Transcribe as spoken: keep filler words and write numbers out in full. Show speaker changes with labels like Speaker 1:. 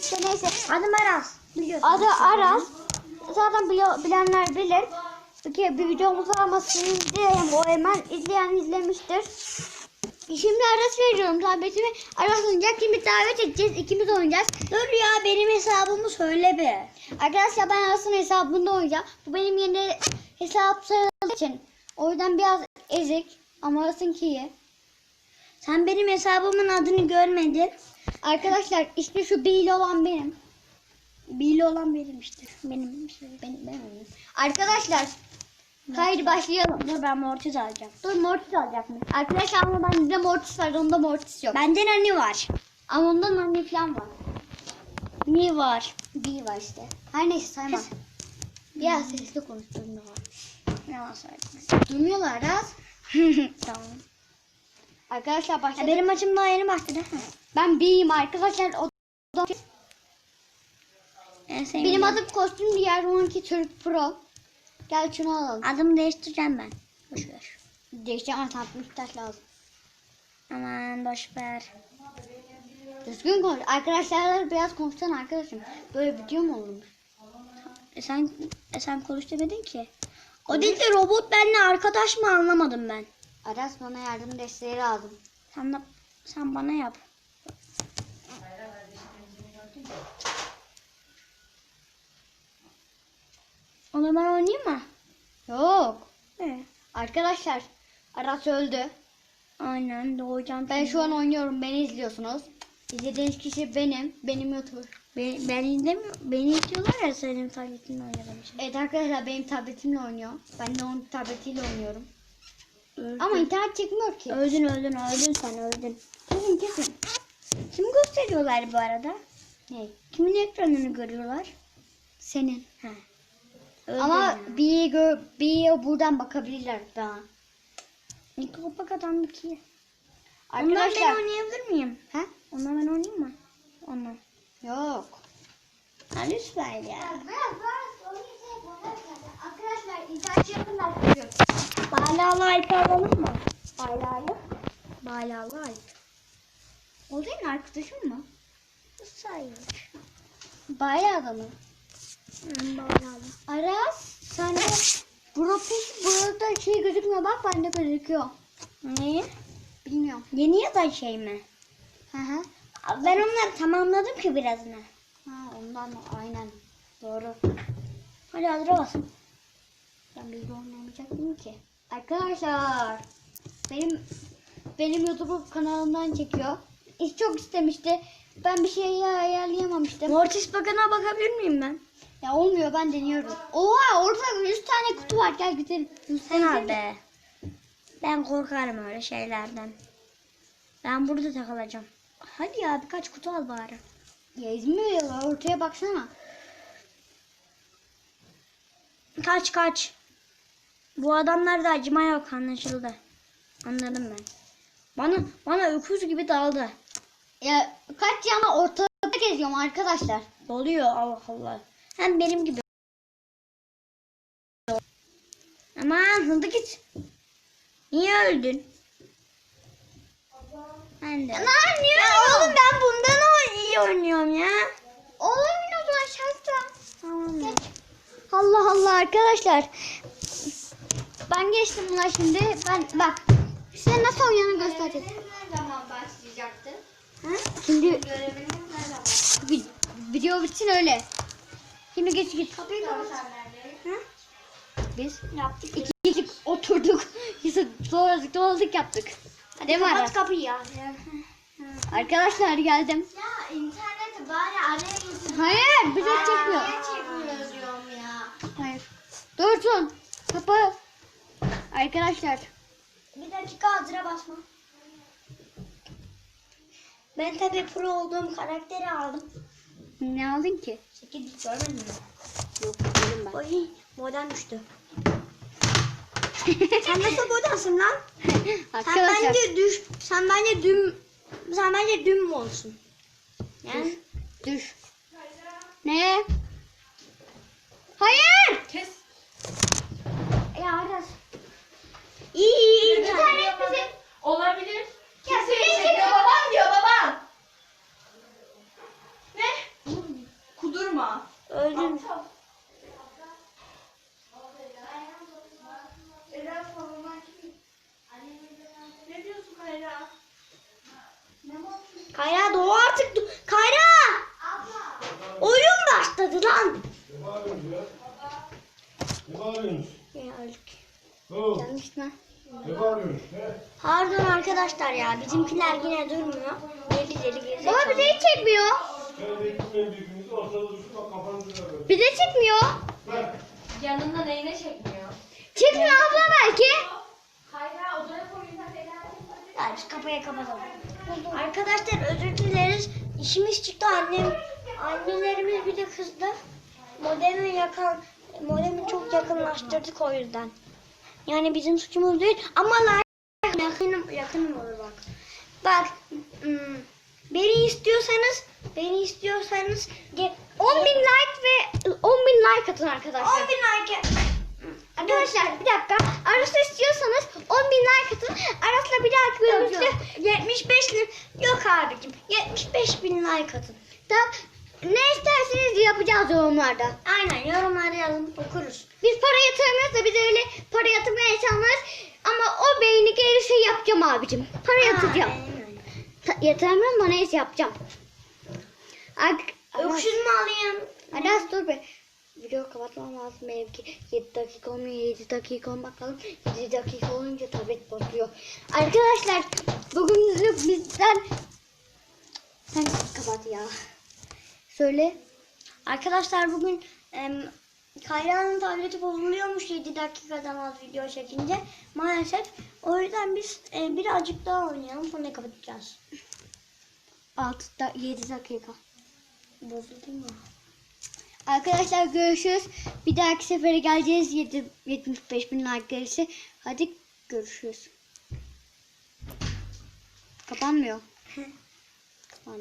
Speaker 1: işte neyse.
Speaker 2: Adım Aras. Biliyorsun.
Speaker 1: Adı Aras. Zaten bili- bilenler bilir. Peki bir videomuz var ama sizin izleyelim. O hemen izleyen izlemiştir. Şimdi Aras veriyorum tabletimi. Aras oynayacak. Şimdi davet edeceğiz. İkimiz oynayacağız.
Speaker 2: Dur ya benim hesabımı söyle be.
Speaker 1: Arkadaşlar ben Aras'ın hesabında oynayacağım. Bu benim yeni hesap sayıldığı için. O yüzden biraz ezik. Ama Aras'ınki iyi.
Speaker 2: Sen benim hesabımın adını görmedin.
Speaker 1: Arkadaşlar işte şu B'li olan benim.
Speaker 2: Bili olan benim işte. Benim işte.
Speaker 1: Benim, benim. Arkadaşlar haydi başlayalım.
Speaker 2: Dur ben Mortis alacağım.
Speaker 1: Dur Mortis alacak mı? Arkadaşlar ama bende Mortis var. Onda Mortis yok.
Speaker 2: Bende Nani var.
Speaker 1: Ama onda Nani falan var.
Speaker 2: Ne var?
Speaker 1: B var işte. Her neyse saymam. Biraz sesli konuştuğumda var.
Speaker 2: Ne var söyledim.
Speaker 1: Durmuyorlar az.
Speaker 2: Tamam.
Speaker 1: Arkadaşlar
Speaker 2: Ya
Speaker 1: başladık.
Speaker 2: benim maçım daha yeni başladı.
Speaker 1: Ben B'yim arkadaşlar. O da
Speaker 2: En sevdiğim.
Speaker 1: benim adım kostüm, diğer onunki Türk Pro. Gel şunu alalım.
Speaker 2: Adımı değiştireceğim ben. Boş ver.
Speaker 1: Değişeceğim ama tatlı taş lazım.
Speaker 2: Aman boş ver.
Speaker 1: Düzgün konuş. Arkadaşlarla biraz konuşsana arkadaşım. Böyle video mu olurmuş?
Speaker 2: E sen, e sen konuş demedin ki. O değil de robot benimle arkadaş mı anlamadım ben.
Speaker 1: Aras bana yardım desteği lazım.
Speaker 2: Sen, de, sen bana yap. O zaman ben oynayayım mı?
Speaker 1: Yok.
Speaker 2: Evet.
Speaker 1: Arkadaşlar Aras öldü.
Speaker 2: Aynen doğacağım.
Speaker 1: Ben şu an oynuyorum. Beni izliyorsunuz. İzlediğiniz kişi benim. Benim YouTuber.
Speaker 2: Ben, ben izlemiyorum. Beni izliyorlar ya senin tabletinle oynadığım için.
Speaker 1: Evet arkadaşlar benim tabletimle oynuyor. Ben de onun tabletiyle oynuyorum.
Speaker 2: Öldün.
Speaker 1: Ama internet çekmiyor ki.
Speaker 2: Öldün öldün öldün sen öldün.
Speaker 1: Kesin kesin.
Speaker 2: Kim gösteriyorlar bu arada?
Speaker 1: Ne?
Speaker 2: Kimin ekranını görüyorlar?
Speaker 1: Senin.
Speaker 2: He. Öldün
Speaker 1: Ama
Speaker 2: ya.
Speaker 1: bir gör, bir buradan bakabilirler daha.
Speaker 2: Mikropak adam ki. Ondan ben
Speaker 1: Arkadaşlar.
Speaker 2: oynayabilir miyim?
Speaker 1: Ha?
Speaker 2: Ondan ben oynayayım mı? Ondan.
Speaker 1: Yok.
Speaker 2: Ha lütfen ya.
Speaker 1: Arkadaşlar internet yakından çıkıyor.
Speaker 2: Balalı Alp alalım mı?
Speaker 1: Baylarlı.
Speaker 2: Balalı Alp.
Speaker 1: O senin arkadaşın mı?
Speaker 2: Sayılır.
Speaker 1: Baylarlı mı?
Speaker 2: Hmm, balalı.
Speaker 1: Aras sende profil burada şey gözükmüyor, bak bende gözüküyor.
Speaker 2: Ne?
Speaker 1: Bilmiyorum.
Speaker 2: Yeni ya da şey mi?
Speaker 1: Hı hı.
Speaker 2: Ben onları tamamladım ki birazını.
Speaker 1: Ha ondan mı? Aynen. Doğru.
Speaker 2: Hadi hazır olsun.
Speaker 1: Ben bilgi oynamayacaktım ki. Arkadaşlar benim benim YouTube kanalımdan çekiyor. İş çok istemişti. Ben bir şey ayarlayamamıştım.
Speaker 2: Mortis bakana bakabilir miyim ben?
Speaker 1: Ya olmuyor, ben deniyorum. Oha orada yüz tane kutu var, gel gidelim.
Speaker 2: Sen al be. Ben korkarım öyle şeylerden. Ben burada takılacağım. Hadi ya birkaç kutu al bari.
Speaker 1: Ya İzmir ortaya baksana.
Speaker 2: Kaç kaç. Bu adamlarda acıma yok anlaşıldı. Anladım ben. Bana bana öküz gibi daldı.
Speaker 1: Ya kaç yana ortada geziyorum arkadaşlar.
Speaker 2: Doluyor Allah Allah. Hem benim gibi. Aman hızlı git. Niye öldün? Ben de.
Speaker 1: Lan niye
Speaker 2: Ya oğlum ben bundan o iyi oynuyorum ya.
Speaker 1: Oğlum o zaman şansla.
Speaker 2: Tamam ya.
Speaker 1: Allah Allah arkadaşlar. Ben geçtim buna şimdi. Ben bak. Size nasıl oynanı göstereceğiz.
Speaker 3: Ne zaman başlayacaktı?
Speaker 1: Ha? Şimdi
Speaker 3: Göreviniz ne zaman?
Speaker 1: vi- video bitsin öyle. Şimdi geç git.
Speaker 3: Kapıyı kapatsanlar.
Speaker 1: Biz yaptık. İki, iki oturduk. Sonra zıplamalık yaptık.
Speaker 2: Hadi
Speaker 1: Değil mi
Speaker 2: kapat
Speaker 1: Aras?
Speaker 2: kapıyı ya.
Speaker 1: Arkadaşlar geldim.
Speaker 3: Ya interneti bari araya getir.
Speaker 1: Hayır bize çekmiyor.
Speaker 3: Niye çekmiyoruz diyorum ya.
Speaker 1: Hayır. Dursun. Kapı. Arkadaşlar.
Speaker 2: Bir dakika hazıra basma. Ben tabii pro olduğum karakteri aldım.
Speaker 1: Ne aldın ki?
Speaker 2: sekiz görmedin mi?
Speaker 1: Yok dedim ben.
Speaker 2: Oy modem düştü. Sen nasıl modemsin lan? Sen
Speaker 1: Arkadaşlar.
Speaker 2: bence düş. Sen bence düm. Sen bence düm mü olsun? Yani
Speaker 1: Düş. Ne? Hayır.
Speaker 3: Kes.
Speaker 1: Ya Aras.
Speaker 2: iyi iyi iyi.
Speaker 1: İnternet bizi.
Speaker 3: Olabilir.
Speaker 1: Ya
Speaker 3: Kimse
Speaker 1: bizi
Speaker 3: çekiyor babam diyor babam. Ne? Vurma.
Speaker 2: Öldüm.
Speaker 3: Ela savunma kim? Ne diyorsun Kayra? Ne bakıyorsun?
Speaker 2: Kayra doğu artık. Do- Kayra!
Speaker 3: Abla.
Speaker 2: Oyun başladı lan.
Speaker 4: Ne bağırıyorsunuz ya? Ne bağırıyorsunuz?
Speaker 2: Ya öldük.
Speaker 4: Oo,
Speaker 1: Yanlış mı?
Speaker 4: ne bağırıyorsunuz? He?
Speaker 2: Pardon arkadaşlar ya. Bizimkiler yine durmuyor. Deli deli geziyor.
Speaker 1: Baba bize hiç çekmiyor.
Speaker 4: Ben de gitmeyin birbirinizi ortada dursun bak kafanızı da böyle.
Speaker 1: Bize çekmiyor.
Speaker 4: Bak.
Speaker 3: Yanında neyine çekmiyor?
Speaker 1: Çekmiyor abla belki.
Speaker 3: Kayra odaya koyun. Ela.
Speaker 2: Hadi şu kapıyı kapatalım. Arkadaşlar özür dileriz. İşimiz çıktı annem. Annelerimiz bir de kızdı. Modemi yakın, modemi çok yakınlaştırdık o yüzden. Yani bizim suçumuz değil ama like yakınım, yakınım olur bak. Bak hmm, beni istiyorsanız beni istiyorsanız ge-
Speaker 1: on bin like ve on bin like atın arkadaşlar.
Speaker 2: on bin like.
Speaker 1: Arkadaşlar bir dakika. Aras'ı istiyorsanız on bin like atın. Aras'la bir dahaki bölümümüzde
Speaker 2: yetmiş beş bin yok abicim. yetmiş beş bin like atın.
Speaker 1: da ne isterseniz yapacağız yorumlarda.
Speaker 2: Aynen yorumları yazın okuruz.
Speaker 1: Biz para yatırmıyoruz da biz öyle para yatırmaya insanlarız. Ama o beyni gelirse yapacağım abicim. Para yatıracağım.
Speaker 2: Aynen.
Speaker 1: Ta- yatıramıyorum ama neyse yapacağım. Ak Aras,
Speaker 2: Öksüz mü alayım?
Speaker 1: Aras dur be. Video kapatmam lazım benimki. yedi dakika olmuyor. yedi dakika olmak bakalım. yedi dakika olunca tablet bozuyor. Arkadaşlar bugünlük bizden... Sen kapat ya. Söyle.
Speaker 2: Arkadaşlar bugün em, Kayra'nın tableti bozuluyormuş yedi dakikadan az video çekince. Maalesef. O yüzden biz e, birazcık daha oynayalım sonra kapatacağız.
Speaker 1: altı da yedi dakika.
Speaker 2: Bozuldu mu?
Speaker 1: Arkadaşlar görüşürüz. Bir dahaki sefere geleceğiz. yedi, yetmiş beş bin like gelirse. Hadi görüşürüz. Kapanmıyor.